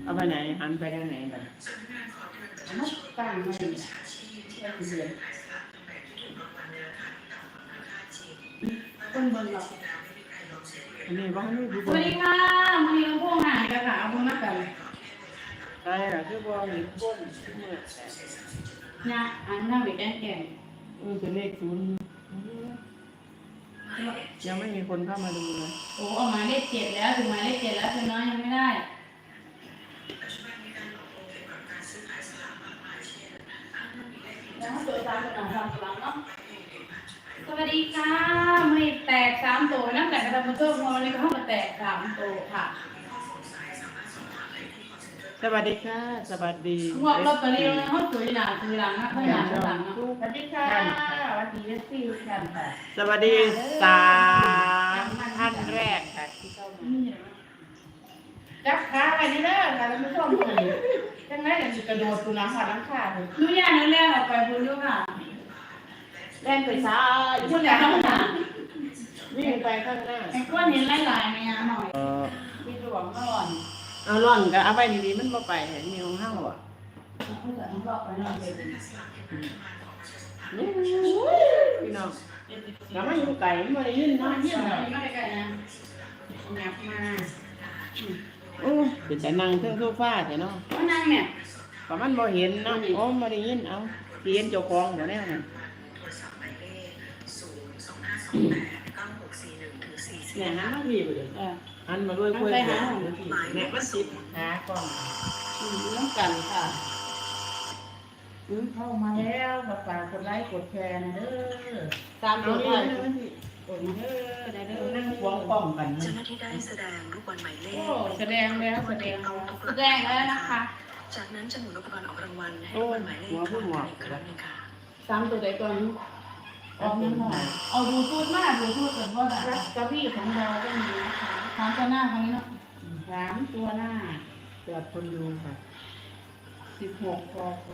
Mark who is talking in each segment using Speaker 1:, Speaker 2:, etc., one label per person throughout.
Speaker 1: เอาไปไหนหันไปทางไหนแบบ
Speaker 2: มันตั้งไม่ได้เสียคนบนเรา
Speaker 1: อันนี้บ้านนี่คือ
Speaker 2: สวัสดีค่ะมีพวกหายกันค่ะเอาพวกนักกัน
Speaker 1: ใช่หรอคือบ้านนี่บ้านเมื่อ
Speaker 2: เนี่ยอันนั้นไปแก่แก่
Speaker 1: เป็นเลขศูนย์ยังไม่มีคนเข้ามาดูเลย
Speaker 2: โอ้ออกมาเลข7แล้วถึงมาเลข7แล้วคือน้อยยังไม่ได้แล้วเจอตามคนอ่านตามหลังเนาะสวัสดีค่ะไม่แตก3ตัวนะแต่กระทำมาเพิ่มวันนี้ก็เข้ามาแตก3ตัวค่ะ
Speaker 1: สวัสดีค่ะสวัสดี
Speaker 2: งวดลอตเตอรี่นะเขาถือหลังนะเขาหลังนะสวัสดีค่ะสวัสดีซี่กันค่ะ
Speaker 1: สวัสดี3ท่านแรกค่ะที่เข้ามา
Speaker 2: จับขาไปนี่เด้อค่ะท่านผู้ชมจังไรอย่างกระโดดตุลาหัดน้ำขาดเลยนู่นย่านั่นแรกออกไปพูดด้วยค่ะแรงไปซ้ายพูดอย่างข้างหน้า
Speaker 1: วิ่งไปข้างหน้า
Speaker 2: ไอ้ก้อนเห็นลายๆไหมหน่อยที่หลวงก่อน
Speaker 1: เอาล่อนก็เอาไปดีๆมันบ่ไปเห็นมีของเฮาอ่ะ
Speaker 2: เขาจะต้องรอบไปนอนเลย
Speaker 1: พี่น้องแล้วมาอยู่ไก่ไม่ได้ยินนะ
Speaker 2: เยี่ยมเลยไม่ได้ไกลนะงับมา
Speaker 1: เป็นแต่นั่งเทิงโซฟาแต่เนาะ
Speaker 2: ว่านั่งเนี่ย
Speaker 1: ก็มันบ่เห็นเนาะโอ้ไม่ได้ยินเอาสิเห็นเจ้าของบ่แน่น่ะเนี่ยหันมาพี่บ่เด้อหันมาด้วยคุยกันเนี่ยมันสิหากล้อง
Speaker 2: น้ำกันค่ะเข้ามาแล้วฝากกดไลค์กดแชร์นะเด้อตามตัวเลยกดเด้อได้เด้อนั่งควงกล้องกัน
Speaker 3: เจ้าหน้าที่ได้แสดงลูกบอลหมายเลข
Speaker 2: แสดงแล้วนะคะ
Speaker 3: จากนั้นจะหมุนอุปกรณ์ออกรางวัลให้ลูกบอลหมายเลขอีกครั้งนึงค่ะ
Speaker 2: ตามตัวใดก่อนออกนั่นหน่อยเอาดูทูดมากดูทูดกันว่าแบบกระบี่ของเราก็มีนะคะ3ตัวหน้าครั้งนี้เนาะ3ตัวหน้า
Speaker 1: เกิดคนดูค่ะ
Speaker 2: 16กก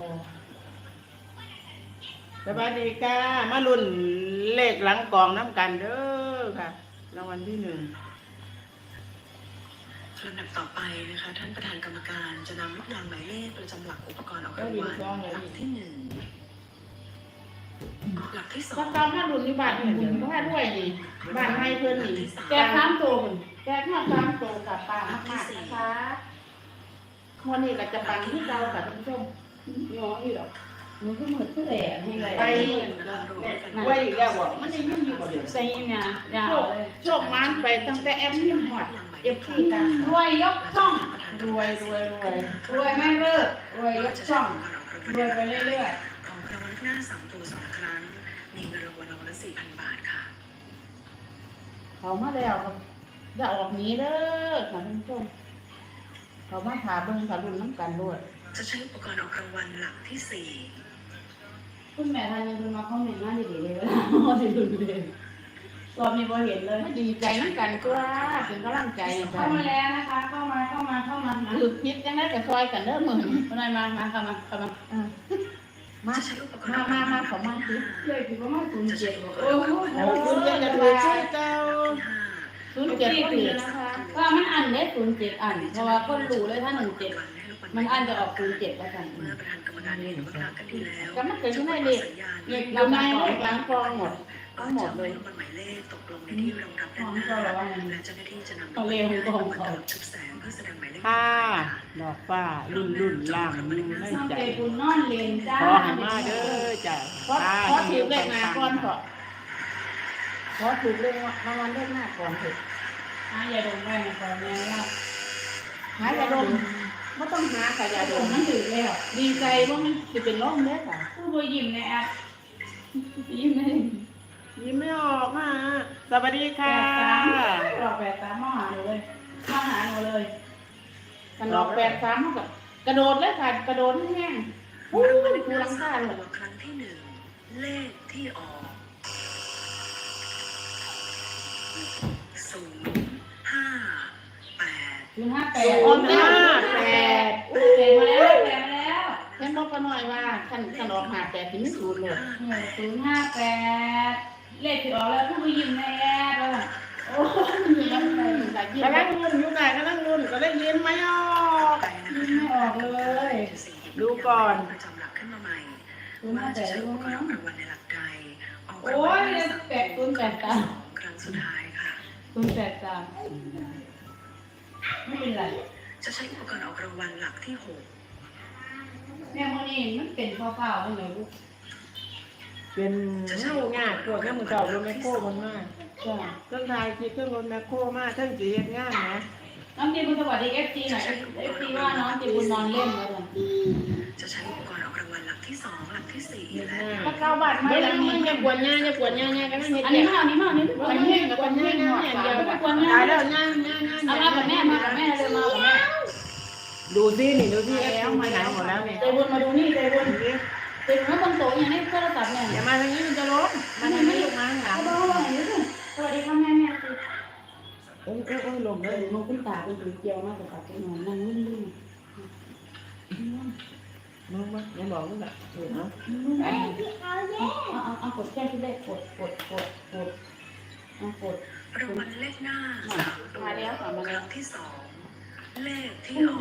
Speaker 1: สวัสดีค่ะมาลุ้นเลขหลังกองน้ำกันเด้อค่ะรางวัลที่1
Speaker 3: ลำดับต่อไปนะคะท่านประธานกรรมการจะนำลูกยางหมายเลขประจำหลักอุปกรณ์ออกรางวัลหลักที่1หลักที่2
Speaker 2: ก็ตามถ้ารุ่นอยู่บ้านคุณถ้าด้วยนี่บ้านให้เพิ่นนี่แจก3ตัวแจกมา3ตัวกับปลามากๆนะคะวันนี้ก็จะปังที่เราค่ะท่านผู้ชมง้ออยู่หรอกมันก็เหมือนเสื้อแหล่ให้เลย
Speaker 1: ไปอีกแล้วบ่มันยังอยู่บ่เดี๋ยว
Speaker 2: ใส่เนี่ยโชคมันไปตั้งแต่แอมนี่หอดFCกันรวยยกช่องรวยไม่เลิกรวยยกช่องรวยไปเรื่อย
Speaker 3: ๆของรางวัลหน้า3ตัว2ครั้งมีเงินรางวัลรางวัลละ 4,000 บาทค่ะ
Speaker 2: เขามาแล้วจะออกนี้เด้อค่ะท่านผู้ชมเขามาถามเบิ่งถามรุ่นน้ำกันด้วย
Speaker 3: จะใช้อุปกรณ์ออกรางวัลหลักที่4
Speaker 2: คุณแม่ทานยังคุณมาคอมเมนต์มาดีๆเลยว่าดีดูเลยรอบนี้พอเห็นเลยดีใจน้ำกันก็เป็นกำลังใจเข้ามาแล้วนะคะเข้ามาหลุดคิดยังได้แต่ซอยกันเด้อมือคนไหนมาเข้ามาขอมาสิเลยคือว่ามา07โอ้โห
Speaker 1: 07จะถูกชื่อเจ้า
Speaker 2: 07ก็ดีนะคะว่ามันอันเด้07อันเพราะว่าคนรู้เลยถ้า17มันอันจะออก07แล้วกัน
Speaker 3: เมื่อประธานกรรมการเห็นว่ารักกันดีแล้ว
Speaker 2: ก็มันเกิดขึ้นได้เลยเราไม่ล้างกรองหมดทั้งหมดเลย
Speaker 3: หมายเลขตกลงในที่รองรับด้านหน้าและเจ้าหน้าที่จะนำ
Speaker 2: เอาเร็วกองเขา
Speaker 3: ชุดแสงเพื่อแสดงหมายเลข
Speaker 1: ดอกฟ้ารุ่นล่างอยู่ในใจ
Speaker 2: คุณนอนเรียนจ้า
Speaker 1: ขอให้มาเด้อจ้ะ
Speaker 2: ขอถือเลขหน้าก่อนเถอะขอถือเลขรางวัลเลขหน้าก่อนเถอะอย่าดมไปนะก่อนเลยว่าอย่าดมไม่ต้องหาค่ะอย่าดมนั่นถือแล้วดีใจว่ามันจะเป็นร่มเด้อค่ะผู้บริยิ้มในแอปยิ้ม
Speaker 1: ไม่ออกอ่ะสวัสดีค่ะ
Speaker 2: ดอก83มาหาหนูเลยกันดอก83เท่ากับกระโดดเลยค่ะกระโดดแห้ง
Speaker 3: รางวัลที่รังค่าเลยครั้งที่1เลขที่ออก058
Speaker 2: ออกมาแล้วเห็นบอกกันหน่อยว่าขันออก58ถึง0เลย058เลขที่ออกแล้วผู้ไปยิ้มในแอปแล้วโอ้ย
Speaker 1: กำลังลุ้นอยู่ไหนกำลังลุ้นก็ได้ยินไหมออก
Speaker 2: บอกเลย
Speaker 1: ดูก่อน
Speaker 3: ประจำหลักขึ้นมาใหม่
Speaker 2: รู้มา
Speaker 3: ว่า
Speaker 2: แต่
Speaker 3: จะใช้
Speaker 2: รู้
Speaker 3: อุปกร
Speaker 2: นะ
Speaker 3: ณ์ออกรางวัลในหลักใดออก
Speaker 2: โอ้
Speaker 3: รางวัล
Speaker 2: ย
Speaker 3: ใน
Speaker 2: เรีย
Speaker 3: ห
Speaker 2: น
Speaker 3: ลัก
Speaker 2: แปดคูณแปดตาม
Speaker 3: ครั้งสุดท้ายค่ะ
Speaker 2: คูณแปดตามไม่เป็นไร
Speaker 3: จะใช้อุปกรณ์ออกรางวัลหลักที่หก
Speaker 2: แม่โมนี่มันเป็นข้าวๆตั้งแต่ลูก
Speaker 1: เป็นเน่างากปวดแม่มือเก่ารถแมคโครมันมาก
Speaker 2: จ้า
Speaker 1: เครื่องทายคิดเครื่องรถแมคโครมากเครื่องจีเฮ็ดงานนะ
Speaker 2: น้องจีบุญสวัสดีเอฟซีหน่อยเอฟซีว่าน้องจีบุญนอนเล่นแล้วกัน
Speaker 3: จะใช้อุปกรณ์ออกรางวัลหลักที่สองหลักที่สี่
Speaker 1: เฮ็ด
Speaker 3: และ
Speaker 1: งาน
Speaker 2: ถ้าเก้าบาทไม่
Speaker 1: ไม่
Speaker 2: แล้
Speaker 1: ได้
Speaker 2: ว
Speaker 1: มึ
Speaker 2: นี่
Speaker 1: งอย่าปวดง่ายอย่าปวดง่ายง่ายกันนั่นเฮ็ด
Speaker 2: อัน
Speaker 1: เจ็
Speaker 2: นี้
Speaker 1: บ
Speaker 2: มากอันนี้มากอันนี้
Speaker 1: มันเฮ็ดกับปวดง่ายง่ายอย่างเดียว
Speaker 2: ไม่ควร
Speaker 1: ตายแล้ว
Speaker 2: นะ
Speaker 1: ง่ายง่ายง่าย
Speaker 2: เอามากับแม่มากับแม่เลยมากับแม่
Speaker 1: ดูสินี่ดูสิแล้วมาไหนหมดแล้วเนี่ย
Speaker 2: ใจบุญมาดูนี่ใจบุญใจบุญมาบนโต๊ะอย่างนี้โทรศัพท์เนี่ย
Speaker 1: อย่ามาทางนี้มันจะล้มมาทางนี้ลูกมาข้างหลัง
Speaker 2: เอาบ้างอย่างนี้สิสวัสดีค่ะแม่แม่คือ
Speaker 1: โอ้ยลม
Speaker 2: เอ
Speaker 1: เล
Speaker 2: อย นกขึ้นตาเป็นสีเกียวมากกว่าเป็นนอนนั่งนิ่ง
Speaker 1: มึงมาอย่าบอกมึงแบบเออเนาะ
Speaker 2: เอากดแก้ที่ได้กดกด
Speaker 3: รางวัลเลขหน้าสามตัว
Speaker 2: มาแล้วค่ะมาแล้ว
Speaker 3: ครั้งที่สองเลขที่ออก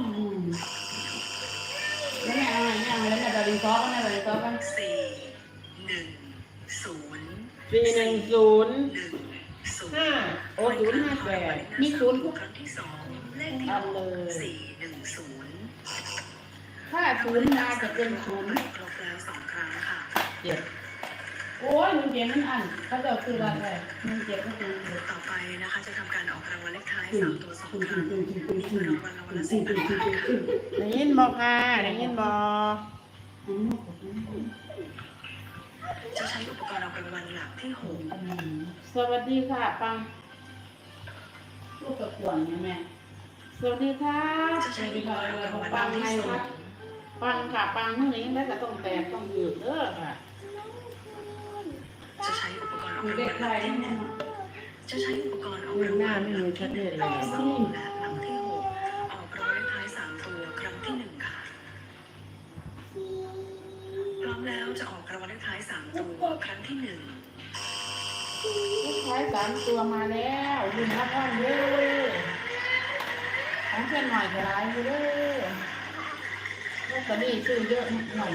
Speaker 2: แล้วแม่อะไรแม่อะไรแล้วแม่จะรีซอกันแม่จะรีซอกัน
Speaker 3: สี่หนึ่งศูนย์
Speaker 1: 410
Speaker 3: หนึ่งศูนย์
Speaker 1: 5โอ้058
Speaker 2: มีศูนย์
Speaker 3: ครั้งที่สองเลขที่อ
Speaker 1: อั
Speaker 3: อน ก
Speaker 1: เลย
Speaker 3: สี่หนึ่งศูนย์
Speaker 2: ถ้าศูนย์มาจะเป็นศูนย์
Speaker 3: ครบแล้วสองครั้งค่ะ
Speaker 1: เจ็บ
Speaker 2: โอ้ยมันเจ็บมันอันเขาจะคืออะไรมันเจ็บก็คือ
Speaker 3: ต่อไปนะคะจะทำการออกรางวัลเลขท้ายสามตัวสองครั้งนี่คือรางวัลละ10,000 บาทค่ะ
Speaker 1: ได้ยินบอกค่ะได้ยินบอก
Speaker 3: จะใช้อุปกรณ์ออกรางวัลหลักที่หก
Speaker 1: สวัสดีค่ะปัง
Speaker 2: ลูกกระขวนเนี่ยแม่
Speaker 1: สวัสดีค่ะ
Speaker 3: จะใช้อุปกรณ์ออกรางวัลห
Speaker 1: ปั
Speaker 3: ลั
Speaker 1: ง
Speaker 3: กที่
Speaker 1: ให้
Speaker 3: สอ
Speaker 1: ค่ะ
Speaker 3: ง
Speaker 1: ปังค่ะปังเมื่อนี้แล้วก็ต้องแตกต้องยืดเด้อค่ะ
Speaker 3: จะใช้อุปกรณ์ออก
Speaker 2: มี
Speaker 3: ราง
Speaker 2: เด็
Speaker 3: วั
Speaker 2: ก
Speaker 3: ล
Speaker 2: ใค
Speaker 3: ห
Speaker 2: ร
Speaker 3: ลักที่
Speaker 2: แม่
Speaker 3: จะใช้อุปกรณ์ออก
Speaker 1: มือ
Speaker 3: ราง
Speaker 1: ห
Speaker 3: วั
Speaker 1: น้า
Speaker 3: ล
Speaker 1: ไม่มีชัดเจนเลย
Speaker 3: ที่สองและหลักที่หกออกรางวัลเลขท้ายสามตัวครั้งที่หนึ่งค่ะพร้อมแล้วจะออกรางวัลเลขท้ายสามตัวครั้งที่หนึ่ง
Speaker 1: ลูกชาย3ตัวมาแล้วยืนรับวันเด้อของเพื่อนหน่อยก็ร้ายอยู่เด้อลอตเตอรี่ซื้อเยอะหน่อย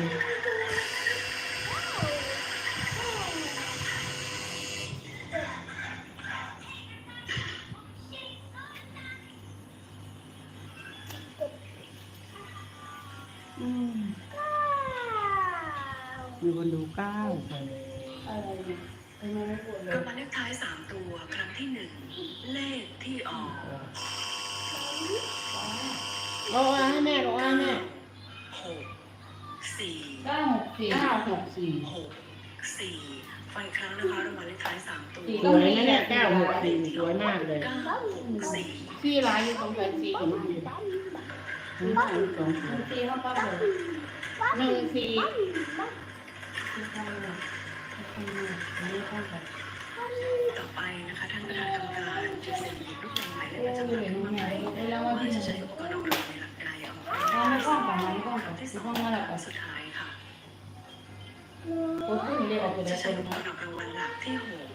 Speaker 1: มีคนดู9
Speaker 2: อะไรเนี่ยทำไมไม่ปวดเล
Speaker 3: ราย งวัลเลขท้ายสามตัวครั้งที่หนึ่งเลขที่ออก
Speaker 1: เอาให้แม่บอกให้แม่
Speaker 3: หกสี่
Speaker 2: 964
Speaker 3: หกสี่ฟังอีกครั้งนะคะรางวัลเลขท้ายสามตัว
Speaker 1: สวยนะเนี่ย964สวยมากเลย
Speaker 3: เก้าหกสี่
Speaker 2: ที่ร้านอยู่ตรงไหนสี่ของมันอยู่
Speaker 1: 1 2 3
Speaker 2: สี่เขาปั๊บเลย
Speaker 1: 1 4
Speaker 2: ที่ข้างเลยนี่ข้างกัน
Speaker 3: ต่อไปนะคะท่านประธานกรรมการจะเซ็นหยิบลูกบอลหมายเลข
Speaker 2: โอ้
Speaker 3: ประจำห
Speaker 2: ย
Speaker 3: ลักขึ้นมาใหม่
Speaker 2: แล้ว
Speaker 3: ว่า
Speaker 2: ว่าที่
Speaker 3: จะ
Speaker 2: จะ
Speaker 3: ใช้
Speaker 2: ใช้
Speaker 3: อุปกรณ์ออกรางวัลในหลักใดออกราง
Speaker 2: เอา
Speaker 3: วัล
Speaker 2: ไม่กล้องก่อน
Speaker 3: ค
Speaker 2: ไม่กล้องก่อน
Speaker 3: รั้งที่ส
Speaker 2: ที่
Speaker 3: อง
Speaker 2: ห้องมาแล้ว
Speaker 3: ค
Speaker 2: ก่อ
Speaker 3: รั้
Speaker 2: น
Speaker 3: งสุดท้ายค่ะ
Speaker 2: โอ้ยนี่เรียกออกไปเล
Speaker 3: จะ
Speaker 2: ย
Speaker 3: ใช้อุปกรณ์ออกรางวัลหลักที่หก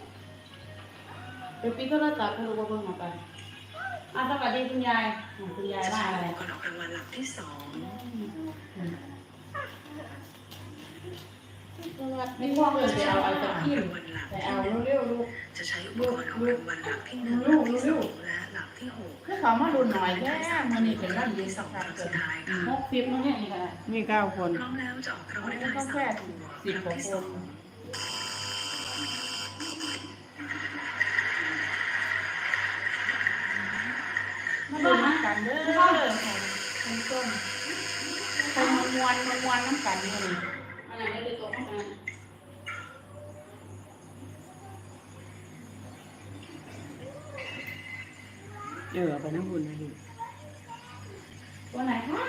Speaker 2: เดี๋ยวปีโทรศัพท์เขาดูว่าเพิ่งมาไปสวัสดีคุณยายคุณยาย
Speaker 3: จะ
Speaker 2: ว่า
Speaker 3: ใช้
Speaker 2: อะไร
Speaker 3: อุปกรณ์ออกรางวัลหลักที่สอง
Speaker 2: ไม่พ่อเลยจะเอาอะไรจากที่
Speaker 3: รางวัลหลัก
Speaker 2: แต่
Speaker 3: ที่
Speaker 2: เอา
Speaker 3: หนึ่ง
Speaker 2: เร็วๆลูก
Speaker 3: จะใช้อุปกรณ์ออกรางวัลหลักที่หนึ่งห
Speaker 2: ลู
Speaker 3: ลั
Speaker 2: ก
Speaker 3: กที่
Speaker 2: ลู
Speaker 3: สอก งและหลักที่หก
Speaker 2: ถ้าเขามาดูหน่อยแค่มันนี่เป็นร่างยืน
Speaker 3: ส
Speaker 2: สั
Speaker 3: อก งค
Speaker 2: การ
Speaker 3: รั้ง
Speaker 2: เกิ
Speaker 3: สุ
Speaker 2: ด
Speaker 3: ดท้ายค่ะ
Speaker 2: 60มันเนี่ยนี่ค่ะ
Speaker 1: มี9 คน
Speaker 3: พร้อมแล้วจะออกรางวัลเลขท้ายสามตัวครั้งที่สอง
Speaker 2: มาดูน้ำกันเด้อคนต้นคนมวนน้ำกันนี่อะไรได้เลยตัวน้ำกัน
Speaker 1: ไปน้ำบุญนะดิ
Speaker 2: ตัวไหนคะ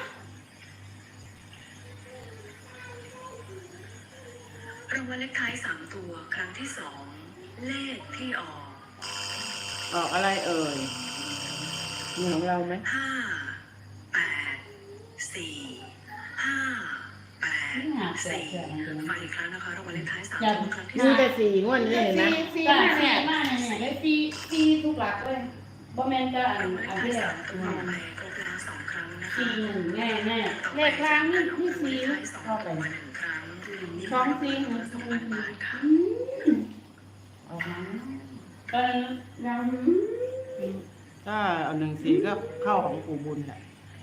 Speaker 3: รางวัลเลขท้ายสามตัวครั้งที่สองเลขที่ออก
Speaker 1: ออกอะไรเอ่ยมีของเราไหม
Speaker 3: ห้าแปดสี่ห้าแปดสี่ฟังอีกครั้งนะคะรางวัลเลขท้ายสามตัวครั้งที่
Speaker 1: มี
Speaker 3: สอง
Speaker 1: แต่4 งวดนี่เห็นไหม
Speaker 2: ซีมากเนี่ยเลยซีทุกหลักเลยบ่แม่นจะอั
Speaker 3: ราน งวัลเลขท้าย
Speaker 2: ที่แห
Speaker 3: สา
Speaker 2: ละ
Speaker 3: มตัวไปครบแล้วสองครั้งนะคะ
Speaker 2: ซีหนึ่งแน่เลขกลางนี่สี่
Speaker 3: เข้าไป1 ครั้ง
Speaker 2: สองสี่
Speaker 3: 2 บาทค่ะ
Speaker 1: ออกมา
Speaker 2: ยัง
Speaker 1: ถ้าเอา14ก็เข้าของปู่บุญแหละ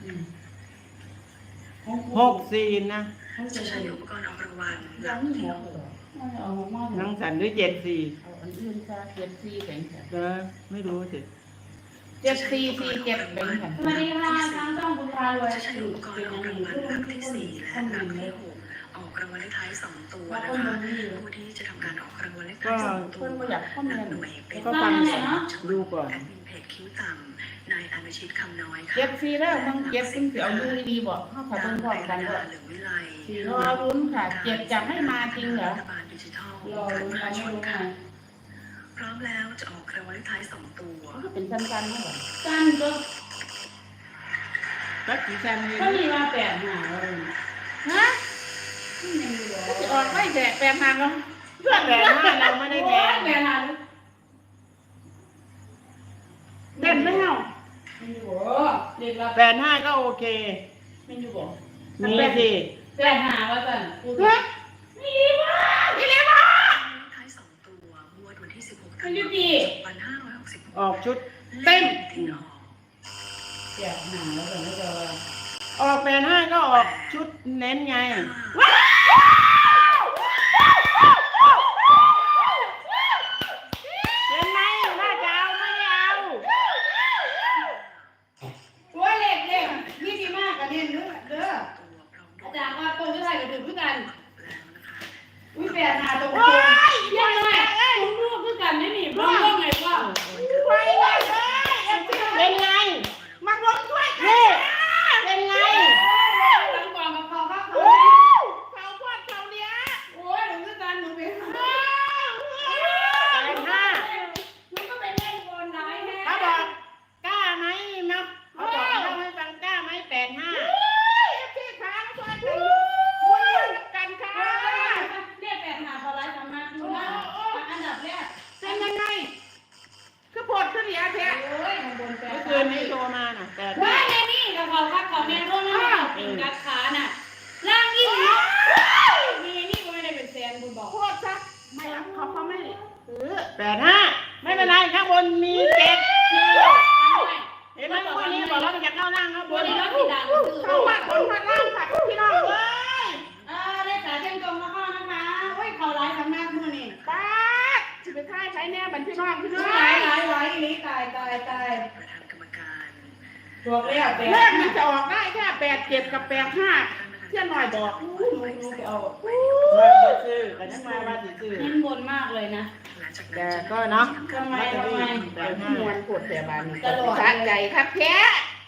Speaker 1: 64นะ
Speaker 3: จะใช้อุปกรณ์ออกรางวัลห
Speaker 2: ยั
Speaker 3: ลั
Speaker 2: ง
Speaker 3: ก
Speaker 2: ไม่
Speaker 3: ที่
Speaker 2: หม
Speaker 3: อ
Speaker 2: ด
Speaker 3: อก
Speaker 2: เลยเอามา
Speaker 1: นังสันหรือ74
Speaker 2: เอาอันอื่นซะ74แบ่งกัน
Speaker 1: ไม่รู้สิ
Speaker 2: 7447แบ่งกันสวัสดีค่ะทางช่องบุญพารวย
Speaker 3: จะใช้อุปกรณ์ออกรางวัลหลักที่4และหลักที่6ออกรางวัลเลขท้าย2 ตัวนะคะผู้ที่จะทำการออกรางวัลเลขท้าย2 ตัว
Speaker 2: เพิ่นบ่อยากข้อ
Speaker 3: ห
Speaker 2: มู
Speaker 3: ลั
Speaker 2: ล
Speaker 3: กหน่วยเป็น
Speaker 1: ก็ฟังดูก่อน
Speaker 3: แอดมินเพจคิ้วต่ำนายอนุชิตคำน้อยค่ะ
Speaker 2: 74แล้วมึงเก็บซึ่งสิเอาอยู่ดีๆบ่เฮาถ้าเบิ่งพร้อมกันบ่
Speaker 3: เหลืองวิไล
Speaker 2: รอลุ้นค่ะเจ็บจะไม่มาจริงเหรอ
Speaker 3: รัฐบาลดิจิทัล
Speaker 2: รอลุ้น
Speaker 3: การ
Speaker 2: ไม่
Speaker 3: ชน
Speaker 2: รู้
Speaker 3: ค่ะ
Speaker 2: ค่ะ
Speaker 3: พร้อมแล้วจะออกรางวัลเลขท้าย2 ตัว
Speaker 2: มันก็เป็นสั้นๆนะบ่สั้นก็
Speaker 1: ก็กี่ชั้นนี่
Speaker 2: ก็มีมา8หาเลยฮะก็สิออกไม่แจก8หาแล้ว
Speaker 1: เพื่อนแหวน5เราไม่ได้แทง
Speaker 2: 8หาเด่นไหมเฮามันอยู่บ่เด็กละ
Speaker 1: 85ก็โอเค
Speaker 2: มันอยู่บ่
Speaker 1: มีสิ
Speaker 2: 8หาว่าซั่นฮะมีบ่มีแล้วบ่
Speaker 3: ท้าย2 ตัวงวดวันที่16
Speaker 2: มันอยู่ดี
Speaker 3: 2566
Speaker 1: ออกชุด
Speaker 3: เต็มที่ออก
Speaker 2: 8หาแล้วซั่นก็จะว่า
Speaker 1: ออก85ก็ออกชุดเน้นไง เห็นไหมน่าจะเอาไม่ได้เอา
Speaker 2: ตัวเล็กนี่ดีมากกันเนี่ยเด้อ
Speaker 3: ตัวพร้อม
Speaker 2: อาจารย์ว่าตรงที่ไทยก็ถือคือกัน
Speaker 3: แล้วนะคะ
Speaker 2: อุ้ยแปดหาตรงยังไงผมรู้คือกันนี่นี่ร่องไงว่า
Speaker 1: ไปเลยเป็นไงมาลงด้วยนี่เป็นไง
Speaker 2: ตั้งกองกับเขาครับ
Speaker 1: เขาพอดเขาเนี้ย
Speaker 2: โอ้ยหนูคือกันหนูเป็น
Speaker 1: 85
Speaker 2: หนูก็เป็นเล่นบอลได้แฮะ
Speaker 1: เขาบอกกล้าไหมนะเขาบอกเล่าให้ฟังกล้าไหม85ที่ค้างช่วยกันค่ะ
Speaker 2: เรียกแปดหาเขาไล่สามารถดูนะอันดับแรก
Speaker 1: เป็นยังไงคือปวดขึ้นเหลียแท้
Speaker 2: โอ้ยข้างบนแปด
Speaker 1: เมื่อคืนนี้โทรมาน่ะแต่
Speaker 2: ว่าแน่นี่กับเขาครับเขาแน่ร่วมนะกินกัดขาน่ะล่างยิ่งมีนี่ก็ไม่ได้เป็นแสนคุณบอก
Speaker 1: โคตรซักไม่รับเขาไม่85ไม่เป็นไรข้างบนมี7เห็นไหมวันนี้บอกว่าจะเข้าล่างครับบ
Speaker 2: วัน
Speaker 1: น
Speaker 2: นี้
Speaker 1: นี้
Speaker 2: เราสีดังคือ
Speaker 1: เข้ามาบนมาล่างค่ะพี่น้องเอ้ย
Speaker 2: ได้ขาเส้นตรงมาข้อนะคะโอ้ยเขาไล่ทำหน้ามือนี่
Speaker 1: ป้าจะไปท่ายใช้แน่บันพี่น้องพี่น้อง
Speaker 2: ไล่นี่ตาย
Speaker 3: ประธานกรรมการ
Speaker 2: ตัวเรียบ
Speaker 1: เลขมันจะออกได้แค่87กับ85เที่ยหน่อยบอก
Speaker 2: นูไปเอา
Speaker 1: มาซื้อกันยังมาว่าซื้อ
Speaker 2: เน้นบนมากเลยนะ
Speaker 3: หลังจาก
Speaker 1: แต่
Speaker 3: นั้น
Speaker 1: ก็เนาะ
Speaker 2: ทำไม
Speaker 1: แต่มวนปวดแต่บาน
Speaker 2: ตลอด
Speaker 1: สะใจคักแท้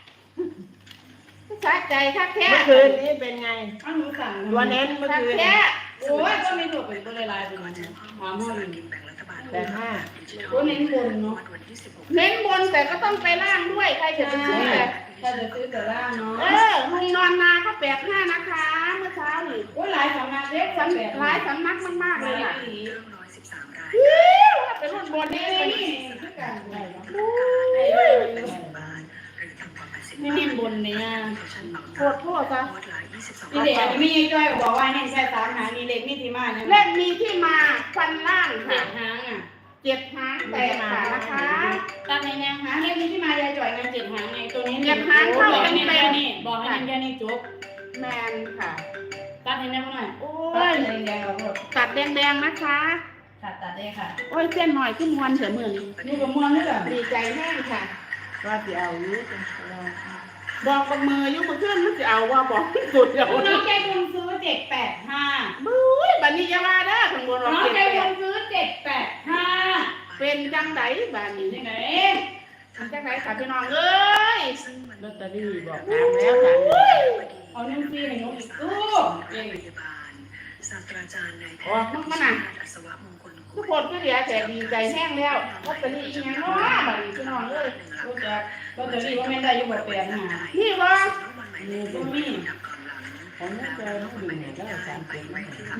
Speaker 1: สะใจคักแท้เมื่อคืนนี้เป็นไง
Speaker 2: อ้าวหนูสั่ง
Speaker 1: ตัวเน้นเมื่อคืน
Speaker 2: แท้โอ้ยก็ไม่ถูกเป็นตัวลายเป็นมันหมาหม้อ
Speaker 3: ส
Speaker 2: ห
Speaker 3: ลา
Speaker 2: นึ่ง
Speaker 3: กินแบ่งรัฐบาล
Speaker 2: ตัวเน้นบนเนาะ
Speaker 3: วันที่16
Speaker 1: เน้นบนแต่ก็ต้องไปล่างด้วยใครจะไปซื้อแต่
Speaker 2: ถ้าจะซื้อแต่ล่างเนาะ
Speaker 1: มุงนอนนาก็85นะคะ เมื่อเช้านี่
Speaker 2: โอ้ยหลายสำนักเล็ก
Speaker 1: สำหลายสำนักมากๆเลยอ่ะ
Speaker 3: เรื่อง113 ราย
Speaker 1: เป็นรุ่นบนนี้
Speaker 2: นี่คือกัน
Speaker 3: ได้80 บาทหรือต่ำกว่า80
Speaker 2: นี่เน้นบนเนี่ย
Speaker 1: โคตรโทษซะ
Speaker 3: งวดละ22
Speaker 2: นี่เด็กอันนี้ไม่ยังจ้อยบอกว่าให้ใช้สามหางมีเล็กมีที่มาเนี่ย
Speaker 1: เลขมีที่มาฟันล่าง
Speaker 2: เจ็
Speaker 1: ค่ะ
Speaker 2: ดหางอ่ะ
Speaker 1: 7 หางแตกค่ะนะคะ
Speaker 2: ตัดในแนวหางเล็กมีที่มายายจ่อยเงินเจ็ดหางไงตัวนี้
Speaker 1: เจ็ดหางเข้า
Speaker 2: บอก
Speaker 1: เป็
Speaker 2: ให้
Speaker 1: น
Speaker 2: เน้น
Speaker 1: แปด
Speaker 2: แค่นี้บอกให้เน้นแค่นี้จบ
Speaker 1: แมนค่ะ
Speaker 2: ตัดให้แน่นหน่อย
Speaker 1: โอ้
Speaker 2: ตัด
Speaker 1: ย
Speaker 2: แดงๆเอาหมด
Speaker 1: ตัดแดงๆนะคะ
Speaker 2: ตัดได้ค่ะ
Speaker 1: โอ้ยเส้นหน่อยขึ้นมวนเสียมือนี่
Speaker 2: นี่ก็ม้วนนี่แหละ
Speaker 1: ดีใจแห้งค่ะว่าจะเอาอยู่บอกกับมืออยู่มือขึ้นมันจะเอาว่าบอกสุดเดี๋ยว
Speaker 2: น้องใจบุญซื้อ785
Speaker 1: บุ้ยบันนี้จะมาเด้อข้างบนเรา
Speaker 2: น้อง
Speaker 1: เก็บ
Speaker 2: ใจ
Speaker 1: แป
Speaker 2: บุ
Speaker 1: ด
Speaker 2: ญซื้อ785
Speaker 1: เป็นจังไดบันนี้
Speaker 2: ยังไง
Speaker 1: เป็นจังไดค่ะพี่น้องเอ้ย
Speaker 3: ซึ่งมัน
Speaker 1: ลอตเตอรี่บอกตามแล้วค่ะ
Speaker 2: เอานึ่งซีให้น้องอีกตู้
Speaker 3: โรงพยาบาลศาสตราจารย์นายแพ
Speaker 1: ออก
Speaker 3: ทย์
Speaker 1: มันน่ะ
Speaker 3: อัศวะมงคล
Speaker 1: ทุกคนก็เหลือแต่ดีใจแห้งแล้วลอตเตอรี่อีกอย่างเนาะบันนี้พี่น้องเอ้ย
Speaker 2: รู้จักก็จะรีบว่าไม่ได้อยู่บ่แปลงหา
Speaker 1: พี่ว่า
Speaker 3: ของน้องเจอไม่ดึงเนี่ยได้3 7ค่ะ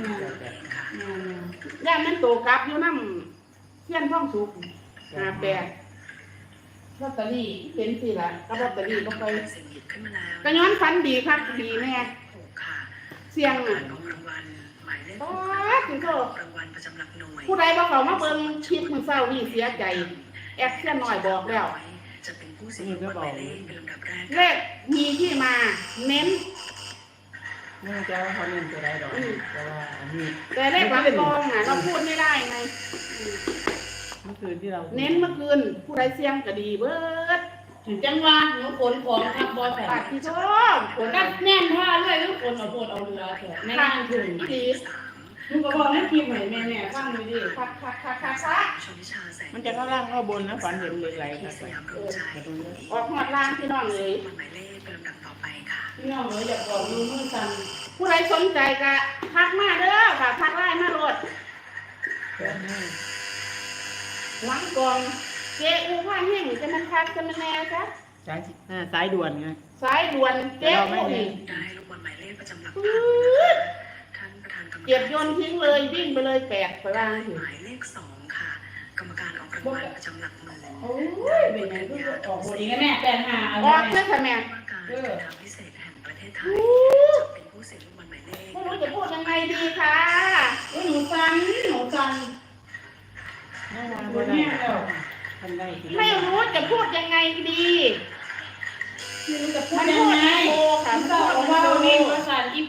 Speaker 1: ย่านมันโตกลับอยู่น้ำเทียนท่องสุก8
Speaker 2: ลอตเตอรี่เป็นสิล่ะก็ลอตเตอรี่ก็ไป
Speaker 3: เสียงหยิบขึ้นมาแล้ว
Speaker 2: ก็ย้อนฟันดีครับดีแม่
Speaker 3: ถูกค่ะ
Speaker 2: เสียง
Speaker 3: กา
Speaker 2: อ่ะ
Speaker 3: รออกรางวัลหมายเลข
Speaker 2: ป๊า
Speaker 3: 6
Speaker 2: ดถึงโทษ
Speaker 3: รางวัลประจำหลักหน่วย
Speaker 2: ผู้ใดบ่เขามาเบิ่งคลิปมื้อเช้านี่เสียใจแอปเสียหน่อยบอกแล้ว
Speaker 3: จะเป็นผู้เสียงรางวัลหมายเลขเป็นลำดับแรก
Speaker 2: เลขมีที่มาเน้น
Speaker 1: ไม่จะว่าเขาเล่นตัวใดดอกแต่ว่าอันนี้
Speaker 2: แต่เลขหลังกองอ่ะเราพูดไม่ได้ไง
Speaker 1: เมื่อคืนที่เรา
Speaker 2: เน้นเมื่อคืนผู้ใดเสียงก็ดีเบิด
Speaker 4: ถึงจังหวะหนูขนของทับบอลแผ่
Speaker 2: ปาก
Speaker 4: น
Speaker 2: ที่ชอบ
Speaker 4: ขนก็แน่นผ้าเลยลูกขนเอาโพดเอาเรือเถอะในงานถึง
Speaker 2: ดี
Speaker 4: ลูกก็บอกให้คิมให้แม่ฟังดูดิ
Speaker 2: คัก
Speaker 3: ชนทิชาแสง
Speaker 1: มันจะเข้าล่างเข้าบนนะฝันเห็นเหล็กไหลค
Speaker 3: ที่
Speaker 1: รับ
Speaker 3: สยามรวมใจ
Speaker 2: ออกหอดล่างพี่น้องเลย
Speaker 3: หมายเลขเป็นลำดับต่อไปค่ะ
Speaker 4: พี่น้องหนูอยากบอกลูกมือสั่น
Speaker 2: ผู้ใดสนใจก็ทักมาเด้อค่ะทักไลน์มาโหลดหลังกองเจ้อูว่าแห้งจะมันทักจะมันแน่จ้ะ
Speaker 1: สายด่วนไง
Speaker 2: สายด่วนเจ้อูนี่
Speaker 3: ได้ลูกบอลหมายเลขประจำหลัก
Speaker 2: ปื๊
Speaker 3: พัน
Speaker 2: ด
Speaker 3: ท่านประธานกรรมการ
Speaker 2: เก็บโยนทิ้งเลยวิ่งไปเลยแปดไปล่างถึง
Speaker 3: หมายเลข2ค่ะ กรรมการออกรางวัลประจำหลักหมื่น
Speaker 4: โอ้ยเป็นไงลูกออกบทนี้กันแน่แต่หาเอา
Speaker 2: ออก
Speaker 4: ไว้
Speaker 2: เพื่อค่ะแม่
Speaker 3: ว่าการการทางพิเศษแห่งประเทศไทยจะเป็นผู้เสียงลูกบอลหมายเลข
Speaker 2: ไม่รู้จะพูดยังไงดีค่ะ
Speaker 4: หนูสั่น
Speaker 1: น่ารัก
Speaker 4: หนู
Speaker 1: ก็ได้
Speaker 4: แม่แล้ว
Speaker 1: ทำได้
Speaker 2: ไม่รู้จะพูดยังไงดี
Speaker 4: ไม่รู้จะพู
Speaker 2: มั
Speaker 4: ด
Speaker 2: น
Speaker 4: ยั
Speaker 2: พู
Speaker 4: ง
Speaker 2: ด
Speaker 4: ไง
Speaker 2: ไม่โตค่ะ
Speaker 4: มัน
Speaker 2: มัน
Speaker 4: ก็
Speaker 2: พูด
Speaker 4: เอา
Speaker 2: ไม่
Speaker 4: ว่า
Speaker 2: โต
Speaker 4: เองภาษาอีก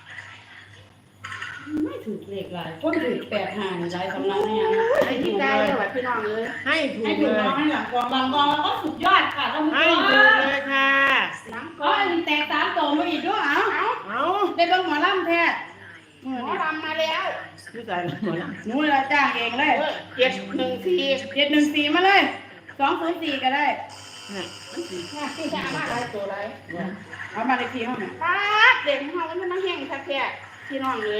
Speaker 4: ไม่ถูกเลขหลายคนถูก8 5นี่หลายสำนักเนี่ย
Speaker 2: ไอ้ที่ได้เลยว่ะพี่น้องเลย
Speaker 1: ให้ถู
Speaker 4: ให้
Speaker 1: ก
Speaker 4: ถู
Speaker 1: เล
Speaker 4: กน้อง
Speaker 1: ย
Speaker 4: ให้หลังกองแล้วก็สุดยอดค่ะท่านผู้ช
Speaker 1: ให้
Speaker 4: ม
Speaker 1: ถูกเลยค่ะ
Speaker 2: หลัง
Speaker 4: ก็อันนี้แตก3โตมาอีกด้วยเอ้า
Speaker 2: เอา
Speaker 1: เอา
Speaker 4: ได้เบิ่งหมอลำแท้
Speaker 2: หมอรำมาแล้ว
Speaker 1: พี่สายหมดละ
Speaker 4: หนูละจ้างเองเลย
Speaker 2: 714
Speaker 4: 714มาเลย204ก็ได้
Speaker 2: มันสีแค่ที่จะมาอะไรตัวอะไร
Speaker 4: เอามาเลขที่ห้องน่ะ
Speaker 2: ป้าดเด็กเขามันมาแห้งแค่พี่น้องเลย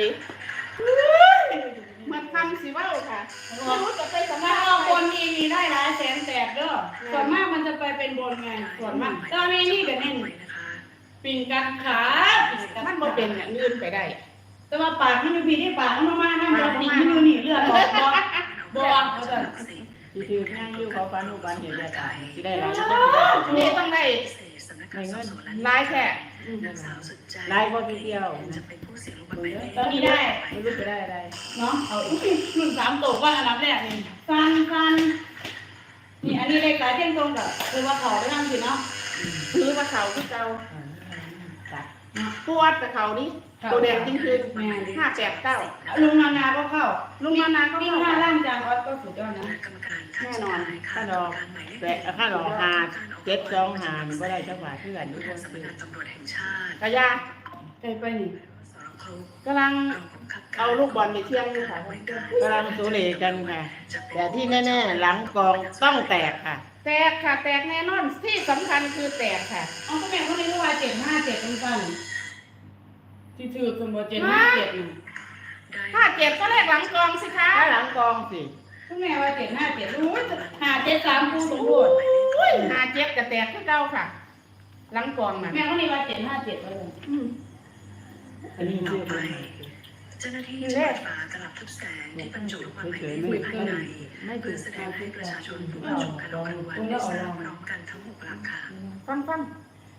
Speaker 2: มันทำสิว่าค่ะไม่รู้จะไปส
Speaker 4: ถ้า
Speaker 2: มัคร
Speaker 4: เอาบนนี่มีได้หลายแสนแตกเด้อส่วนมากมันจะไปเป็นบนไงส่วนมากตอนนี้นี่ก็เน้นปิ่งกัดขาปิ่งกัด
Speaker 2: มันบ่เป็นอย่างอื่นไปได้
Speaker 4: แต่ว่าปากมันอยู่พี่ที่ปากมันมาๆนะมันปิ่งมันอยู่นี่เลือดออกบ่เขาจะ
Speaker 1: ที่คือนั่งอยู่เขาฟันหูฟันเห็นเลยค่ะที่ได้รับ
Speaker 2: นี่ต้องได้ ร้ายแค่
Speaker 1: ไล่ก็พี่เดียว
Speaker 3: จะเป็นผู้เสียงลูกบอลหมายเลข
Speaker 4: ตอนนี้ได้
Speaker 1: ไม่รู้จะได้อะไร
Speaker 4: เนาะเอารุ่น3โตก่อนอันดับแรกนี่ฟันนี่อันนี้เลขหลายเที่ยงตรงกับคือว่าเขาได้นำสิเนาะ
Speaker 2: ถือว่าเขาที่เก่า
Speaker 1: จัด
Speaker 2: ปวดแต่เขานี่ตัวแดงจริงคือ589
Speaker 4: ลุงนานาก็เข้า
Speaker 2: ลุงมานาก็
Speaker 4: วิ่ง
Speaker 2: เข้า
Speaker 4: 5ล่างจานออสก็สุดยอดนะ
Speaker 3: กรรมการ
Speaker 1: ค่าดอกแต่ค่าดอก725ก็ได้เจ้าบ่าวที่กันทุกคน
Speaker 3: สำนักงานตำรวจแห่งชาติ
Speaker 2: กะยา
Speaker 4: ไปนี่
Speaker 3: สรค
Speaker 2: กำลังเอาลูกบอลไปเที่ยงอยู่ค่ะ
Speaker 1: กำลังสูเลกันค่ะ แต่ที่แน่ๆหลังกองต้องแตกค่ะ
Speaker 2: แตกค่ะแตกแน่นอนที่สำคัญคือแตกค่ะ
Speaker 4: เอาก็แม่เขาเรียกว่า757เป็นกันที่ถือสมบูรณ์757นี่
Speaker 2: ถ้าเจ็บก็เลขหลังกองสิคะ
Speaker 1: ถ้าหลังกองสิ
Speaker 4: ก็แม่ว่า757รู้573กูสมบูรณ์
Speaker 2: 57กับแตกคือเก่าค่ะ หลังกองน่ะ
Speaker 4: แม่เขาเรียกว่า757เลย
Speaker 1: อันนี้
Speaker 3: ต่
Speaker 1: ชื่
Speaker 3: อ
Speaker 1: อ
Speaker 3: ไป
Speaker 1: คน
Speaker 3: เจ้าหน้าที่จะเปิดฝากระดับทุบแสงที่บรรจุลูกบอลหมายเลขไว้ภายในเพื่อแสดงให้ประชาชนผู้ชมการออกรางวัลได้ทราบพร้อมกันทั้ง6หลักค่ะ
Speaker 2: ฟัง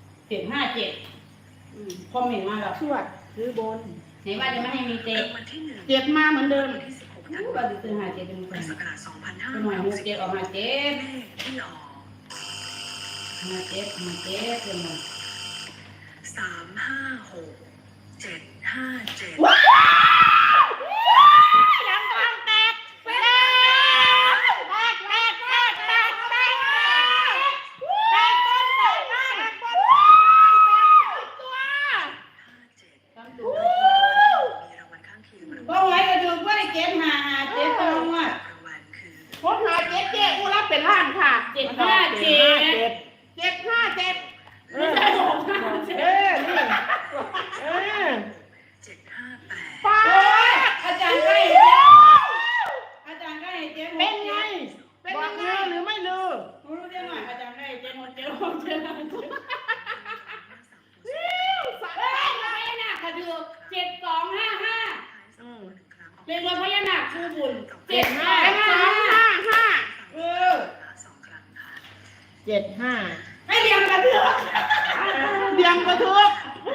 Speaker 4: 757คอมเมนต์มาแล้ว
Speaker 2: ชวดซื้อบน
Speaker 4: ไหนว่าจะไม่ให้มีเตะ
Speaker 3: รางวัลที่1
Speaker 2: เจ็บมาเหมือนเดิม
Speaker 3: วันที่16ธัน
Speaker 4: รู้
Speaker 3: วา
Speaker 4: ว่า
Speaker 3: ค
Speaker 4: จะ
Speaker 3: ม
Speaker 4: ซื้อ57เป็น
Speaker 3: พุท
Speaker 4: กั
Speaker 3: ธ
Speaker 4: น
Speaker 3: ศักราช
Speaker 4: เป็นหน่วย6 7ออกมา7
Speaker 3: เลขที่ออก
Speaker 4: 57เป็นหน่วย
Speaker 3: 356 757
Speaker 2: ว้าวหลังกองแตกแตกตัว
Speaker 3: มีรางวัลข้างเคียง
Speaker 4: บ่ไหวก็ดูว่าได้755 7ตรงว่ะ
Speaker 3: รางวัลคือ
Speaker 2: ผมหาเจ๊เจ๊กูรับเป็นล้านค่ะ
Speaker 4: 757
Speaker 2: 757
Speaker 4: ไม่ใช่657
Speaker 1: เออนี่เออ
Speaker 3: 758
Speaker 2: ป้า
Speaker 4: โอ้ยอาจารย์ก็ให้อาจารย์ก็ให้7
Speaker 1: เป็นไง
Speaker 2: เป็น
Speaker 1: บอ
Speaker 2: ยั
Speaker 1: ก
Speaker 2: งไง
Speaker 1: ลือหรือไม่ลือ
Speaker 4: รู้ได้หน่อยอาจารย์ก็ให้7 6 7 พญานาคกระดูก7255
Speaker 1: อืม
Speaker 4: เรียกว่าพญานาคคู่บุญ
Speaker 2: 255
Speaker 4: เออ
Speaker 3: 2 ครั้งค่ะ
Speaker 1: 755
Speaker 2: มาทุก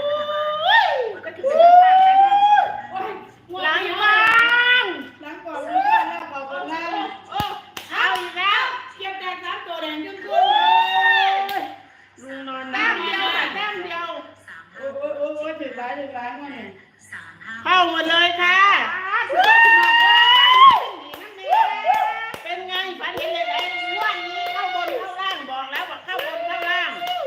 Speaker 2: ล้างยังบ้าง
Speaker 4: ล้างก่อนล้างก่อนล้าง
Speaker 2: เอาอีกแล้ว
Speaker 4: เก็บแดงน้ำตัวแดงขึ้น
Speaker 2: ลุงนอนแต้มเดียวค่ะแต้มเดียว
Speaker 4: โอ้ยถึงร้ายมาเนี่ย
Speaker 2: เข้าหมดเลยค่ะเป็นไงฝันเห็นเลยไหนวันนี้เข้าบนเข้าล่างบอกแล้วว่าเข้าบนเข้าล่าง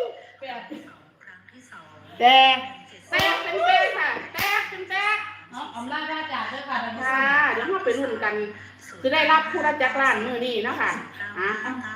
Speaker 2: แต่แตกเป็นแตกค่ะแตกเป็นแตก
Speaker 1: เอาล่าได้จากด้วยค่ะ
Speaker 2: ค่ะเดี๋ยวเราไปรุ่นกันจะได้รับผู้รับจักรล้านมือนี้นะคะ